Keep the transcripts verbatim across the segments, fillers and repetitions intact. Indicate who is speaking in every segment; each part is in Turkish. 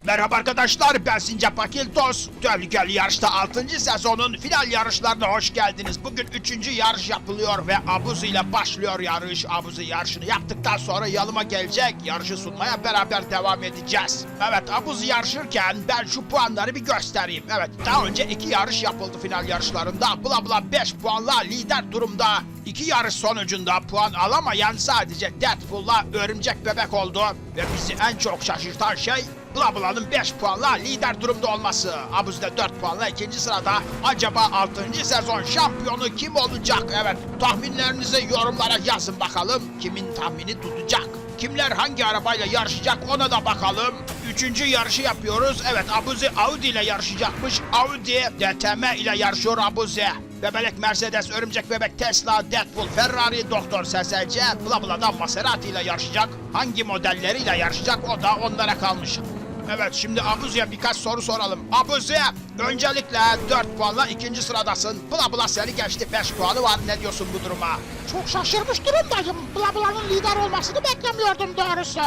Speaker 1: Merhaba arkadaşlar, ben Sincap Akiltos. Tehlikeli Yarış'ta altıncı sezonun final yarışlarına hoş geldiniz. Bugün üçüncü yarış yapılıyor ve Abuzi ile başlıyor yarış. Abuzi yarışını yaptıktan sonra yanıma gelecek. Yarışı sunmaya beraber devam edeceğiz. Evet, Abuzi yarışırken ben şu puanları bir göstereyim. Evet, daha önce iki yarış yapıldı final yarışlarında. Bla bla beş puanla lider durumda. İki yarış sonucunda puan alamayan sadece Deadpool'la Örümcek Bebek oldu. Ve bizi en çok şaşırtan şey Bla Bla'nın beş puanla lider durumda olması. Abuzi de dört puanla ikinci sırada. Acaba altıncı sezon şampiyonu kim olacak? Evet, tahminlerinizi yorumlara yazın bakalım. Kimin tahmini tutacak? Kimler hangi arabayla yarışacak ona da bakalım. Üçüncü yarışı yapıyoruz. Evet, Abuzi Audi ile yarışacakmış. Audi D T M ile yarışıyor Abuzi. Bebelek Mercedes, Örümcek Bebek Tesla, Deadpool Ferrari, Doktor S S C, Bla Bla'da Maserati ile yarışacak. Hangi modelleriyle yarışacak o da onlara kalmış. Evet, şimdi Abuzi'ye birkaç soru soralım. Abuzi, öncelikle dört puanla ikinci sıradasın. Bla Bla seni geçti, beş puanı var. Ne diyorsun bu duruma?
Speaker 2: Çok şaşırmış durumdayım. Bla Bla'nın lider olmasını beklemiyordum doğrusu.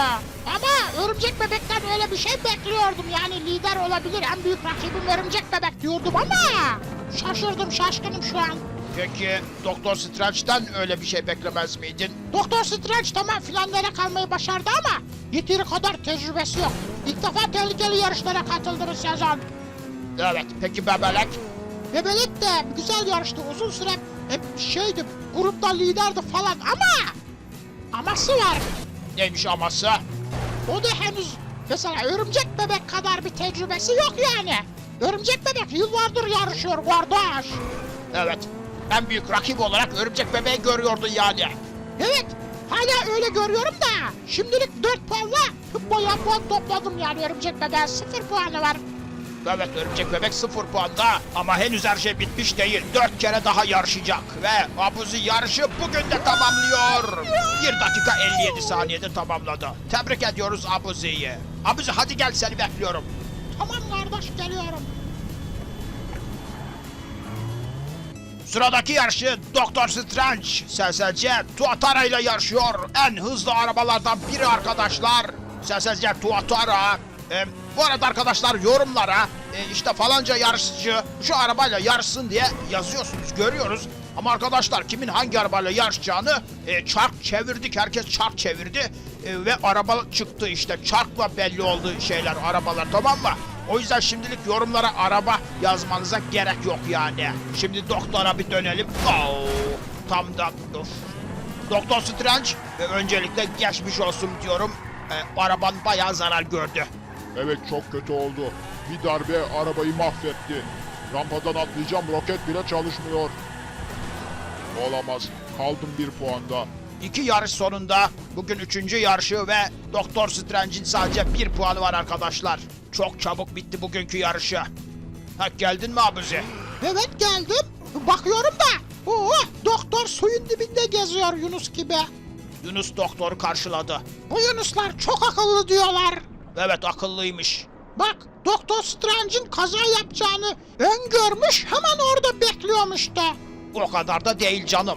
Speaker 2: Ama Örümcek Bebek'ten öyle bir şey bekliyordum. Yani lider olabilir, en büyük rakibim Örümcek Bebek diyordum ama şaşırdım, şaşkınım şu an.
Speaker 1: Peki Doktor Strange'den öyle bir şey beklemez miydin?
Speaker 2: Doktor Strange tamam finallere kalmayı başardı ama yeteri kadar tecrübesi yok. İlk defa tehlikeli yarışlara katıldı bu sezon.
Speaker 1: Evet, peki Bebelek?
Speaker 2: Bebelek de güzel yarıştı, uzun süre hep şeydi, grupta liderdi falan ama aması var.
Speaker 1: Neymiş aması?
Speaker 2: O da henüz mesela Örümcek Bebek kadar bir tecrübesi yok yani. Örümcek Bebek yıllardır yarışıyor kardeş.
Speaker 1: Evet, en büyük rakip olarak Örümcek Bebeği görüyordun yani.
Speaker 2: Evet, hala öyle görüyorum da şimdilik dört puanla bayağı puan topladım yani Örümcek Bebek'e sıfır puanı var.
Speaker 1: Evet, Örümcek Bebek sıfır puanda ama henüz her şey bitmiş değil. Dört kere daha yarışacak ve Abuzi yarışı bugün de tamamlıyor. bir dakika elli yedi saniyede tamamladı. Tebrik ediyoruz Abuzi'yi. Abuzi hadi gel, seni bekliyorum.
Speaker 2: Tamam kardeş, geliyorum.
Speaker 1: Sıradaki yarışı Doktor Strange, S S C Tuatara ile yarışıyor. En hızlı arabalardan biri arkadaşlar. S S C Tuatara. Ee, bu arada arkadaşlar yorumlara e, işte falanca yarışçı şu arabayla yarışsın diye yazıyorsunuz, görüyoruz. Ama arkadaşlar kimin hangi arabayla yarışacağını e, çark çevirdik. Herkes çark çevirdi e, ve araba çıktı işte. Çarkla belli oldu şeyler, arabalar, tamam mı? O yüzden şimdilik yorumlara araba yazmanıza gerek yok yani. Şimdi doktora bir dönelim. Oo, tam da of. Doktor Strange e, öncelikle geçmiş olsun diyorum. E, araban bayağı zarar gördü.
Speaker 3: Evet, çok kötü oldu. Bir darbe arabayı mahvetti. Rampadan atlayacağım, roket bile çalışmıyor. Olamaz. Kaldım bir puanda.
Speaker 1: İki yarış sonunda bugün üçüncü yarışı ve Doktor Strange'in sadece bir puanı var arkadaşlar. Çok çabuk bitti bugünkü yarışı. Ha, geldin mi Abuzi?
Speaker 2: Evet, geldim. Bakıyorum da oo, doktor suyun dibinde geziyor Yunus gibi.
Speaker 1: Yunus doktoru karşıladı.
Speaker 2: Bu Yunuslar çok akıllı diyorlar.
Speaker 1: Evet, akıllıymış.
Speaker 2: Bak, Doktor Strange'in kaza yapacağını öngörmüş, hemen orada bekliyormuş da.
Speaker 1: O kadar da değil canım.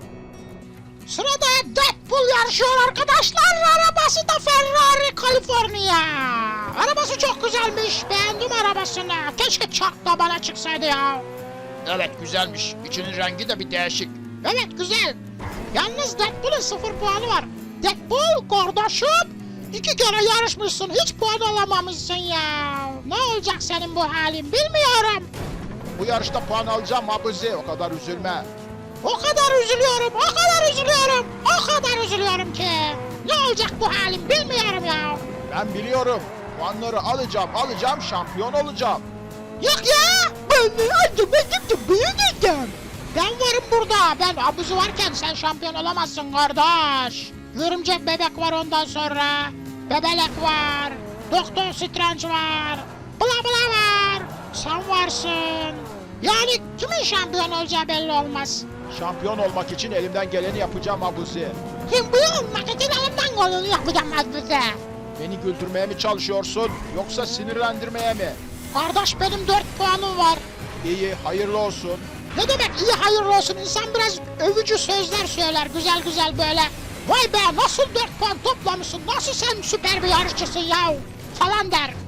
Speaker 2: Sırada Deadpool yarışıyor arkadaşlar. Arabası da Ferrari California. Arabası çok güzelmiş. Beğendim arabasını. Keşke çark da bana çıksaydı ya.
Speaker 1: Evet, güzelmiş. İçinin rengi de bir değişik.
Speaker 2: Evet, güzel. Yalnız Deadpool'un sıfır puanı var. Deadpool kardeşim, iki kere yarışmışsın, hiç puan alamamışsın ya. Ne olacak senin bu halin bilmiyorum.
Speaker 1: Bu yarışta puan alacağım Abuzi, o kadar üzülme.
Speaker 2: O kadar üzülüyorum, o kadar üzülüyorum, o kadar üzülüyorum ki. Ne olacak bu halim bilmiyorum ya.
Speaker 1: Ben biliyorum. Puanları alacağım, alacağım, şampiyon olacağım.
Speaker 2: Yok ya, ben acı benim de büyüdüm. Ben varım burada, ben Abuzi varken sen şampiyon olamazsın kardeş. Örümcek Bebek var ondan sonra, Bebelek var, Doktor Strange var, Bla Bla var, sen varsın. Yani kimin şampiyon olacağı belli olmaz.
Speaker 1: Şampiyon olmak için elimden geleni yapacağım Abuzi.
Speaker 2: Şampiyon olmak için elimden geleni yapacağım Abuzi.
Speaker 1: Beni güldürmeye mi çalışıyorsun, yoksa sinirlendirmeye mi?
Speaker 2: Kardeş, benim dört puanım var.
Speaker 1: İyi, hayırlı olsun.
Speaker 2: Ne demek iyi hayırlı olsun, insan biraz övücü sözler söyler güzel güzel böyle. Vay be, nasıl dört puan toplamışsın, nasıl sen süper bir yarışçısın ya falan der.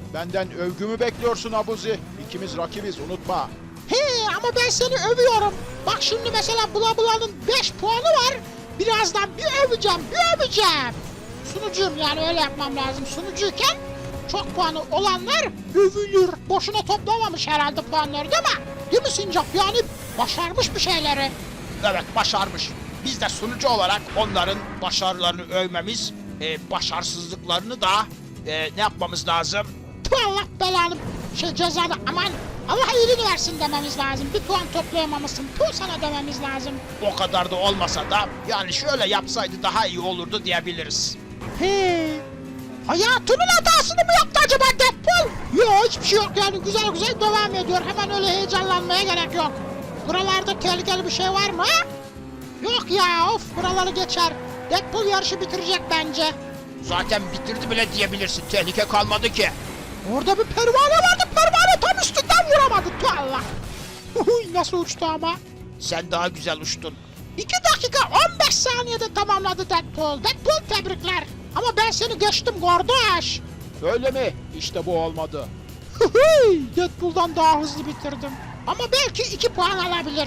Speaker 3: Benden övgümü bekliyorsun Abuzi. İkimiz rakibiz unutma.
Speaker 2: He ama ben seni övüyorum. Bak şimdi mesela Bula Bula'nın beş puanı var. Birazdan bir öveceğim, bir öveceğim. Sunucuyum yani öyle yapmam lazım. Sunucuyken çok puanı olanlar övülür. Boşuna toplamamış herhalde puanları değil mi? Değil mi Sincap? Yani başarmış bir şeyleri.
Speaker 1: Evet, başarmış. Biz de sunucu olarak onların başarılarını övmemiz, e, başarısızlıklarını da e, ne yapmamız lazım?
Speaker 2: Tüh Allah belanı şey cezanı aman Allah iyiliğini versin dememiz lazım. Bir puan toplayamamışsın. Tüh sana dememiz lazım.
Speaker 1: O kadar da olmasa da yani şöyle yapsaydı daha iyi olurdu diyebiliriz.
Speaker 2: He. Hayatının hatasını mı yaptı acaba Deadpool? Yok hiçbir şey yok yani güzel güzel devam ediyor. Hemen öyle heyecanlanmaya gerek yok. Buralarda tehlikeli bir şey var mı? Yok ya of buraları geçer. Deadpool yarışı bitirecek bence.
Speaker 1: Zaten bitirdi bile diyebilirsin. Tehlike kalmadı ki.
Speaker 2: Orada bir pervane vardı. Pervane tam üstünden vuramadı. Tüh Allah. Huy, nasıl uçtu ama.
Speaker 1: Sen daha güzel uçtun.
Speaker 2: iki dakika on beş saniyede tamamladı Deadpool. Deadpool tebrikler. Ama ben seni geçtim kardeş.
Speaker 3: Öyle mi? İşte bu olmadı.
Speaker 2: Hıhıy, Deadpool'dan daha hızlı bitirdim. Ama belki iki puan alabilir.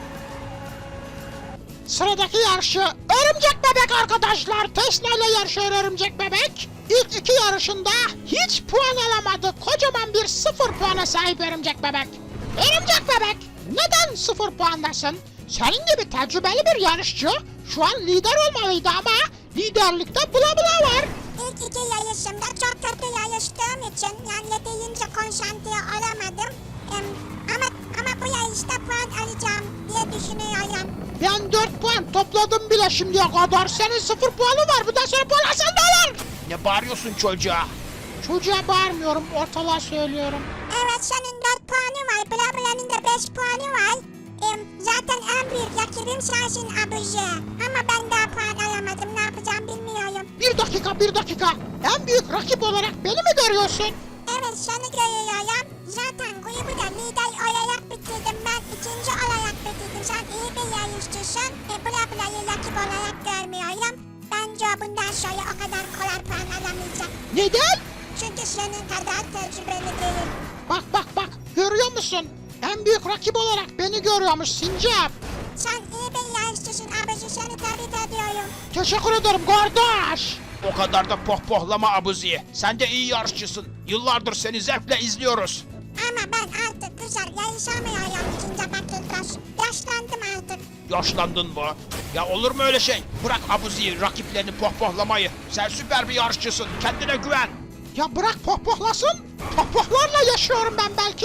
Speaker 2: Sıradaki yarışı Örümcek Bebek arkadaşlar. Tesla ile yarışıyor Örümcek Bebek. İlk iki yarışında hiç puan alamadı. Kocaman bir sıfır puana sahip Örümcek Bebek. Örümcek Bebek neden sıfır puandasın? Senin gibi tecrübeli bir yarışçı şu an lider olmalıydı ama liderlikte Bula Bula var.
Speaker 4: İlk iki yarışımda çok kötü yarıştığım için yani deyince konsantre olamadım. Em, ama ama bu yarışta puan alacağım diye düşünüyorum.
Speaker 2: Ben dört puan topladım bile şimdiye kadar. Senin sıfır puanı var. Bundan sonra puan alsan ne olur?
Speaker 1: Ne bağırıyorsun çocuğa?
Speaker 2: Çocuğa bağırmıyorum. Ortalığa söylüyorum.
Speaker 4: Evet senin dört puanı var. Bla Bla'nın da beş puanı var. Em, zaten en büyük rakibim sensin abici. Ama ben daha puan alamadım. Ne yapacağım bilmiyorum.
Speaker 2: Bir dakika bir dakika. En büyük rakip olarak beni mi görüyorsun?
Speaker 4: Evet seni görüyorum. Zaten grubu da lider olarak bitirdim. Ben ikinci olarak bitirdim. Sen iyi bir yarışçısın. E, Bla Bla'yı rakip olarak görmüyorum. Bence bundan sonra o kadar kolay puan alamayacak.
Speaker 2: Neden?
Speaker 4: Çünkü senin kadar tecrübeli değil.
Speaker 2: Bak bak bak. Görüyor musun? En büyük rakip olarak beni görüyormuş Sincap.
Speaker 4: Sen iyi bir yarışçısın abici. Seni tebrik ediyorum.
Speaker 2: Teşekkür ederim kardeş.
Speaker 1: O kadar da pohpohlama Abuzi. Sen de iyi yarışçısın. Yıllardır seni zevkle izliyoruz.
Speaker 4: Ama ben artık güzel yarışamıyorum ikinci bakırdaş. Yaşlandım artık.
Speaker 1: Yaşlandın mı? Ya olur mu öyle şey? Bırak Abuzi'yi, rakiplerini pohpohlamayı. Sen süper bir yarışçısın. Kendine güven.
Speaker 2: Ya bırak pohpohlasın. Pohpohlarla yaşıyorum ben belki.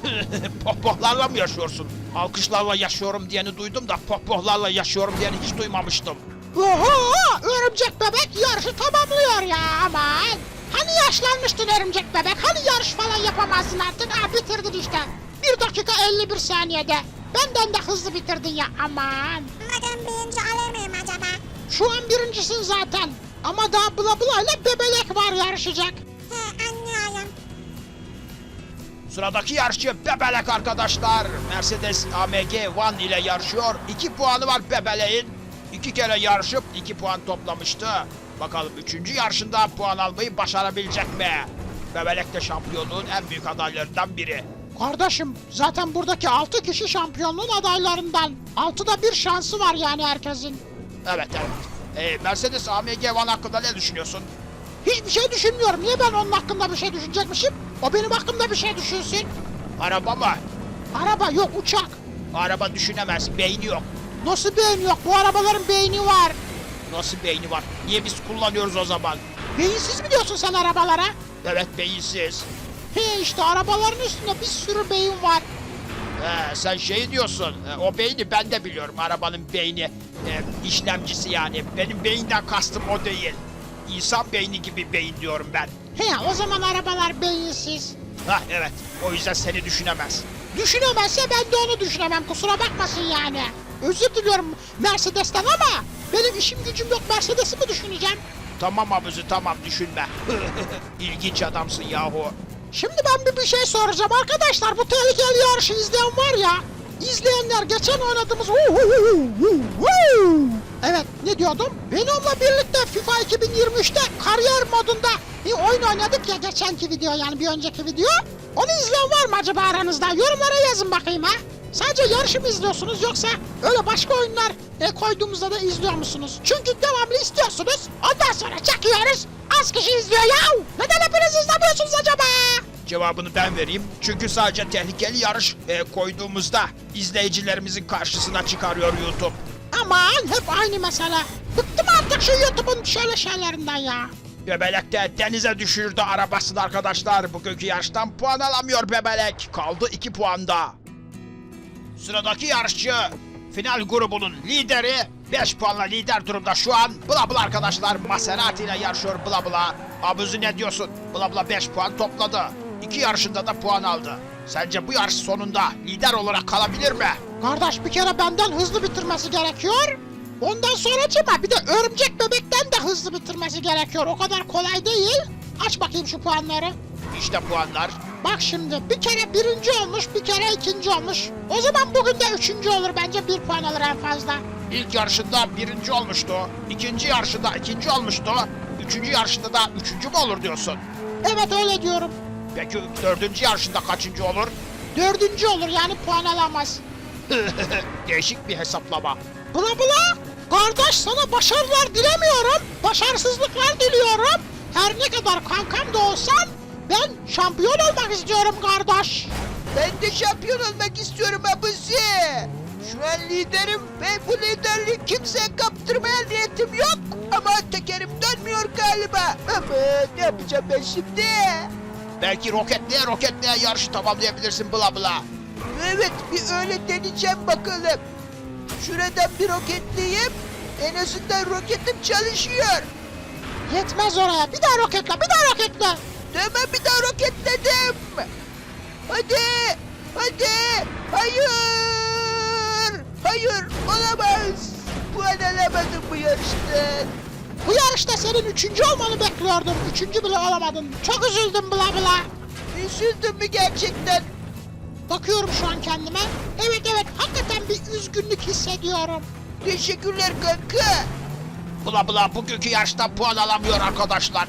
Speaker 1: Pohpohlarla mı yaşıyorsun? Alkışlarla yaşıyorum diyeni duydum da pohpohlarla yaşıyorum diyeni hiç duymamıştım.
Speaker 2: Oho! Örümcek Bebek yarışı tamamlıyor ya aman. Hani yaşlanmıştın Örümcek Bebek? Hani yarış falan yapamazdın artık? Ha bitirdin işte. bir dakika elli bir saniyede. Benden de hızlı bitirdin ya aman.
Speaker 4: Umarım birinci olur muyum acaba?
Speaker 2: Şu an birincisin zaten. Ama daha Bula Bula ile Bebelek var yarışacak.
Speaker 4: He anlıyorum.
Speaker 1: Sıradaki yarışçı Bebelek arkadaşlar. Mercedes A M G One ile yarışıyor. iki puanı var Bebelek'in. İki kere yarışıp iki puan toplamıştı. Bakalım üçüncü yarışında puan almayı başarabilecek mi? Bebelek de şampiyonluğun en büyük adaylarından biri.
Speaker 2: Kardeşim zaten buradaki altı kişi şampiyonluğun adaylarından. altıda bir şansı var yani herkesin.
Speaker 1: Evet evet. Ee, Mercedes A M G One hakkında ne düşünüyorsun?
Speaker 2: Hiçbir şey düşünmüyorum. Niye ben onun hakkında bir şey düşünecekmişim? O benim hakkımda bir şey düşünsün.
Speaker 1: Araba mı?
Speaker 2: Araba yok uçak.
Speaker 1: Araba düşünemez. Beyni yok.
Speaker 2: Nasıl beyin yok? Bu arabaların beyni var.
Speaker 1: Nasıl beyni var? Niye biz kullanıyoruz o zaman?
Speaker 2: Beyinsiz mi diyorsun sen arabalara?
Speaker 1: Evet beyinsiz.
Speaker 2: He işte arabaların üstünde bir sürü beyin var.
Speaker 1: He, sen şey diyorsun. e, O beyni ben de biliyorum. Arabanın beyni. e, işlemcisi yani. Benim beyinden kastım o değil. İnsan beyni gibi beyin diyorum ben.
Speaker 2: He o zaman arabalar beyinsiz.
Speaker 1: Hah evet. O yüzden seni düşünemez.
Speaker 2: Düşünemezse ben de onu düşünemem. Kusura bakmasın yani. Özür diliyorum Mercedes'ten ama benim işim gücüm yok. Mercedes'i mi düşüneceğim?
Speaker 1: Tamam abuzi tamam düşünme. İlginç adamsın yahu.
Speaker 2: Şimdi ben bir, bir şey soracağım arkadaşlar. Bu tehlikeli yarışı izleyen var ya. İzleyenler geçen oynadığımız Evet, ne diyordum? Benimle birlikte FIFA iki bin yirmi üçte kariyer modunda bir oyun oynadık ya, geçenki video, yani bir önceki video. Onu izleyen var mı acaba aranızda? Yorumlara yazın bakayım ha. Sadece yarışı mı izliyorsunuz, yoksa öyle başka oyunlar e, koyduğumuzda da izliyor musunuz? Çünkü devamlı istiyorsunuz, ondan sonra çekiyoruz, az kişi izliyor ya. Neden hepiniz izlemiyorsunuz acaba?
Speaker 1: Cevabını ben vereyim. Çünkü sadece tehlikeli yarış e, koyduğumuzda izleyicilerimizin karşısına çıkarıyor YouTube.
Speaker 2: Aman, hep aynı mesele. Bıktım artık şu YouTube'un şöyle şeylerinden ya.
Speaker 1: Bebelek de denize düşürdü arabasını arkadaşlar. Bugünkü yarıştan puan alamıyor Bebelek. Kaldı iki puanda. Sıradaki yarışçı final grubunun lideri. beş puanla lider durumda şu an. Bla Bla arkadaşlar Maserati ile yarışıyor Bla Bla. Abuzi ne diyorsun? Bla Bla beş puan topladı. İki yarışında da puan aldı. Sence bu yarış sonunda lider olarak kalabilir mi?
Speaker 2: Kardeş, bir kere benden hızlı bitirmesi gerekiyor. Ondan sonracıma bir de örümcek bebekten de hızlı bitirmesi gerekiyor. O kadar kolay değil. Aç bakayım şu puanları.
Speaker 1: İşte puanlar.
Speaker 2: Bak şimdi, bir kere birinci olmuş, bir kere ikinci olmuş. O zaman bugün de üçüncü olur bence, bir puan alır en fazla.
Speaker 1: İlk yarışında birinci olmuştu. İkinci yarışında ikinci olmuştu. Üçüncü yarışında da üçüncü mü olur diyorsun?
Speaker 2: Evet, öyle diyorum.
Speaker 1: Peki dördüncü yarışında kaçıncı olur?
Speaker 2: Dördüncü olur, yani puan alamaz.
Speaker 1: Değişik bir hesaplama.
Speaker 2: Bula bula, kardeş sana başarılar dilemiyorum. Başarısızlıklar diliyorum. Her ne kadar kankam da olsan ben şampiyon olmak istiyorum kardeş.
Speaker 5: Ben de şampiyon olmak istiyorum abuzi. Şu an liderim ve bu liderliği kimseye kaptırmaya niyetim yok. Ama tekerim dönmüyor galiba. Ama ne yapacağım ben şimdi?
Speaker 1: Belki roketleye roketleye yarışı tamamlayabilirsin Bla Bla.
Speaker 5: Evet, bir öyle deneyeceğim bakalım. Şuradan bir roketleyeyim. En azından roketim çalışıyor.
Speaker 2: Yetmez oraya. Bir daha roketle, bir daha roketle.
Speaker 5: Tamam, bir daha roketledim. Hadi, hadi, hayır, hayır, olamaz. Puan alamadım bu yarıştan.
Speaker 2: Bu yarışta senin üçüncü olmanı bekliyordum. Üçüncü bile olamadın. Çok üzüldüm bla bla.
Speaker 5: Üzüldün mü gerçekten?
Speaker 2: Bakıyorum şu an kendime. Evet evet, hakikaten bir üzgünlük hissediyorum.
Speaker 5: Teşekkürler kanka.
Speaker 1: Bla Bla bugünkü yarışta puan alamıyor arkadaşlar.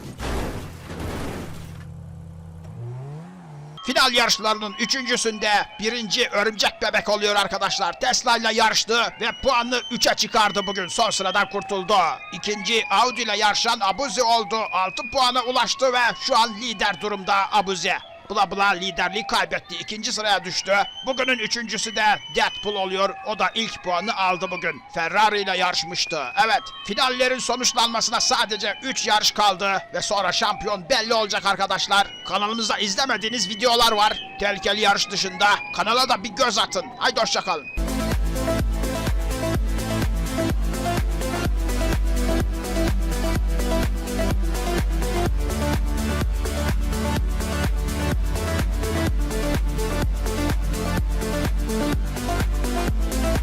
Speaker 1: Final yarışlarının üçüncüsünde birinci Örümcek Bebek oluyor arkadaşlar. Tesla ile yarıştı ve puanını üçe çıkardı bugün. Son sıradan kurtuldu. İkinci Audi ile yarışan Abuzi oldu. altı puana ulaştı ve şu an lider durumda Abuzi. Bla Bla liderliği kaybetti. İkinci sıraya düştü. Bugünün üçüncüsü de Deadpool oluyor. O da ilk puanını aldı bugün. Ferrari ile yarışmıştı. Evet, finallerin sonuçlanmasına sadece üç yarış kaldı. Ve sonra şampiyon belli olacak arkadaşlar. Kanalımızda izlemediğiniz videolar var. Tehlikeli yarış dışında. Kanala da bir göz atın. Haydi hoşça kalın.